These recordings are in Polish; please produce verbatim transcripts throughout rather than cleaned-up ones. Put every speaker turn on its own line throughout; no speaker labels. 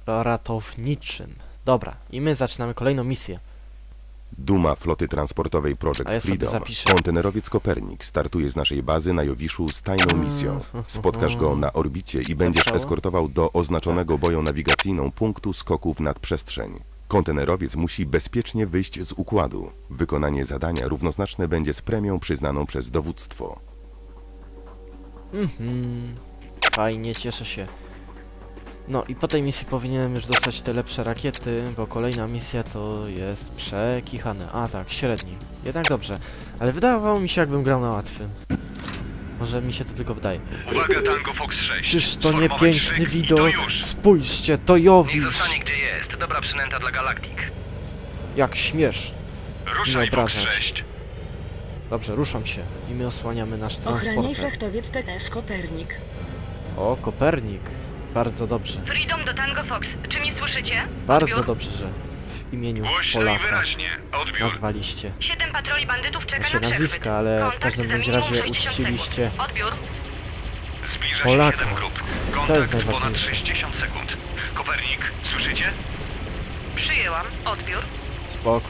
ratowniczym. Dobra, i my zaczynamy kolejną misję.
Duma floty transportowej Project
ja
Freedom. Kontenerowiec Kopernik startuje z naszej bazy na Jowiszu z tajną misją. Spotkasz go na orbicie i będziesz eskortował do oznaczonego boją nawigacyjną punktu skoku w nadprzestrzeń. Kontenerowiec musi bezpiecznie wyjść z układu. Wykonanie zadania równoznaczne będzie z premią przyznaną przez dowództwo.
Mhm. Fajnie, cieszę się. No i po tej misji powinienem już dostać te lepsze rakiety, bo kolejna misja to jest przekichane. A tak, średni. Jednak dobrze. Ale wydawało mi się, jakbym grał na łatwym. Może mi się to tylko wydaje.
Uwaga, Tango Fox sześć.
Czyż to nie piękny widok? Spójrzcie, to Jowisz!
Niech zostanie gdzie jest. Dobra przynęta dla Galactic.
Jak śmiesz
Ruszaj,
mnie
Fox
obrażać.
sześć.
Dobrze, ruszam się i my osłaniamy nasz transporter.
Ochraniaj frachtowiec P T F Kopernik.
O, Kopernik. Bardzo dobrze.
Freedom do Tango Fox. Czy mnie słyszycie?
Bardzo
Odbiór?
dobrze, że w imieniu
Głośno i
Polaka
wyraźnie. Odbiór.
nazwaliście.
Siedem patroli bandytów czeka
Znaczy
na przechwyt.
nazwiska, ale w
Kontakt
każdym
za
bądź
minimum
razie
sześćdziesiąt
uczciliście
sekund. Odbiór.
Zbliża się
Polaka.
siedem grup.
To
Kontakt
jest
ponad
najważniejsze.
sześćdziesiąt sekund. Kopernik, słyszycie?
Przyjęłam. Odbiór.
Spoko.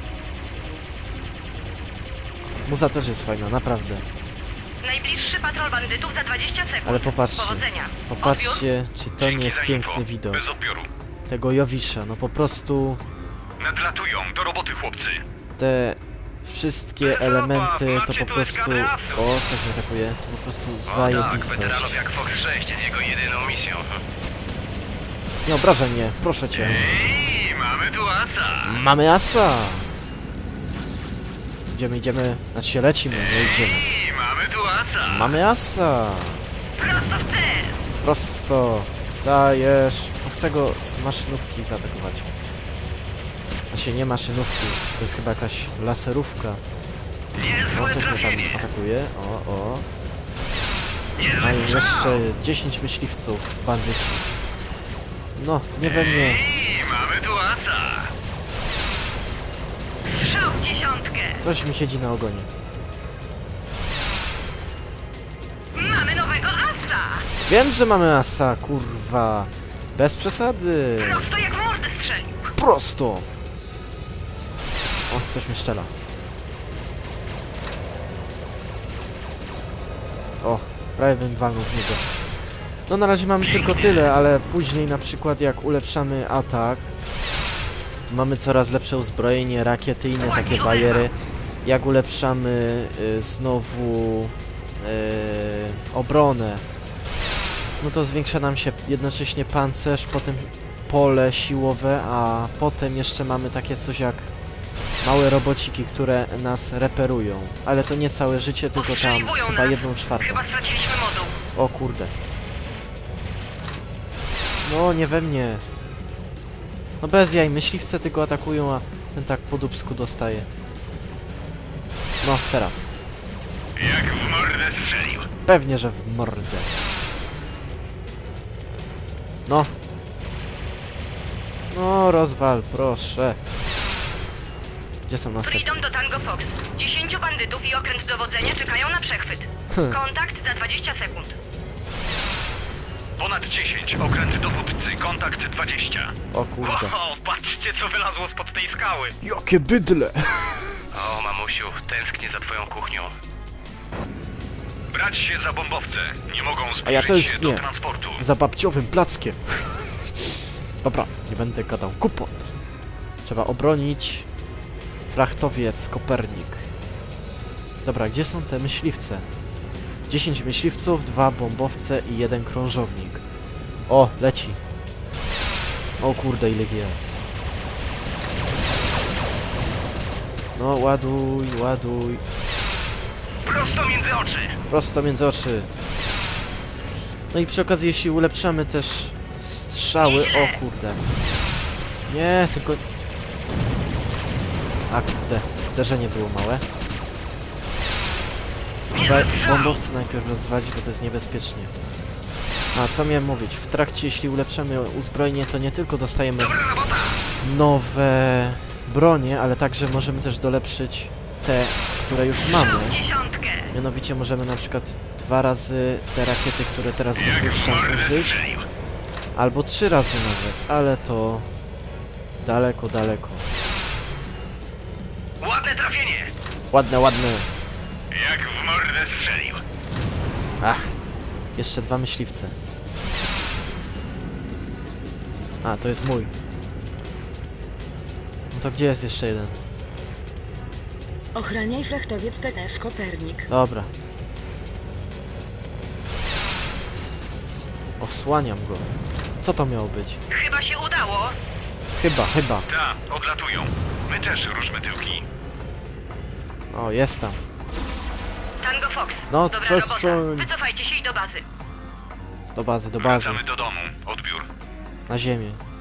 Muza też jest fajna, naprawdę.
Najbliższy patrol bandytów za dwadzieścia sekund.
Ale popatrzcie,
Powodzenia.
popatrzcie, czy to nie
Dzięki
jest
za
piękny
info.
widok
Bez odbioru.
tego Jowisza. No po prostu
Nadlatują. Do roboty, chłopcy.
te wszystkie
Bez
elementy
obaw,
to
macie
po
tu
prostu...
eskadrę asów.
O, coś mnie atakuje. To po prostu
O tak,
zajebistość.
weteranów jak Fox sześć z jego jedyną misją.
Nie obrażaj mnie, proszę cię.
Ej, mamy tu asa.
Mamy asa! Idziemy, idziemy. Znaczy się lecimy, nie idziemy.
Ej, mamy tu asa.
Mamy asa!
Prosto w cel.
Prosto. Dajesz. No chcę go z maszynówki zaatakować. Znaczy nie maszynówki. To jest chyba jakaś laserówka. No
Niezłe
coś mnie
trafienie.
tam atakuje. O, o. No
Niezły
i
strzał.
jeszcze dziesięć myśliwców, bandyci. No, nie we mnie.
Ej, mamy tu asa.
Strzał w dziesiątkę.
Coś mi siedzi na ogonie.
Mamy nowego asa.
Wiem, że mamy asa, kurwa. Bez przesady.
Prosto jak w mordę strzelił.
Prosto. O, coś mi szczela. O, prawie bym walnął w niego. No na razie mamy tylko tyle, ale później na przykład jak ulepszamy atak, mamy coraz lepsze uzbrojenie, rakiety i inne takie bajery. Jak ulepszamy y, znowu y, obronę, no to zwiększa nam się jednocześnie pancerz, potem pole siłowe, a potem jeszcze mamy takie coś jak małe robociki, które nas reperują. Ale to nie całe życie, tylko tam
Ostrzeliwują
chyba
nas.
jedną czwartą.
Chyba straciliśmy moduł.
O kurde. No, nie we mnie. No bez jaj, myśliwce tylko atakują, a ten tak po dupsku dostaje. No, teraz.
Jak w mordę strzelił.
Pewnie, że w mordę. No. No, rozwal, proszę. Gdzie są następne?
Freedom do Tango Fox. Dziesięciu bandytów i okręt dowodzenia czekają na przechwyt. Kontakt za dwadzieścia sekund.
Ponad dziesięć. Okręt dowódcy. Kontakt dwadzieścia.
O kurde.
O, patrzcie co wylazło spod tej skały.
Jakie bydle!
O, mamusiu, tęsknię za twoją kuchnią. Brać się za bombowce. Nie mogą
A ja
zbliżyć się
tęsknię
do transportu.
za babciowym plackiem. Dobra, nie będę gadał kupot. Trzeba obronić frachtowiec Kopernik. Dobra, gdzie są te myśliwce? dziesięć myśliwców, dwa bombowce i jeden krążownik. O, leci. O kurde, ile ich jest. No, ładuj, ładuj.
Prosto między oczy.
Prosto między oczy. No i przy okazji, jeśli ulepszamy też strzały... O kurde. Nie, tylko... A kurde, zderzenie było małe. Trzeba bombowce najpierw rozwalić, bo to jest niebezpiecznie. A co miałem mówić? W trakcie, jeśli ulepszamy uzbrojenie, to nie tylko dostajemy nowe bronie, ale także możemy też dolepszyć te, które już mamy. Mianowicie możemy na przykład dwa razy te rakiety, które teraz wypuszczam, użyć. Albo trzy razy nawet, ale to... Daleko, daleko.
Ładne trafienie!
Ładne, ładne.
Jak w mordę strzelił.
Ach, jeszcze dwa myśliwce. A, to jest mój. No to gdzie jest jeszcze jeden?
Ochraniaj frachtowiec P T F Kopernik.
Dobra. Osłaniam go. Co to miało być?
Chyba się udało.
Chyba, chyba.
Ta, odlatują. My też ruszmy tyłki.
O, jest tam.
Tango Fox.
No,
Dobra
przestrzeń.
robota. Wycofajcie się i do bazy.
Do bazy, do bazy.
Wracamy do domu. Odbiór.
Na ziemię.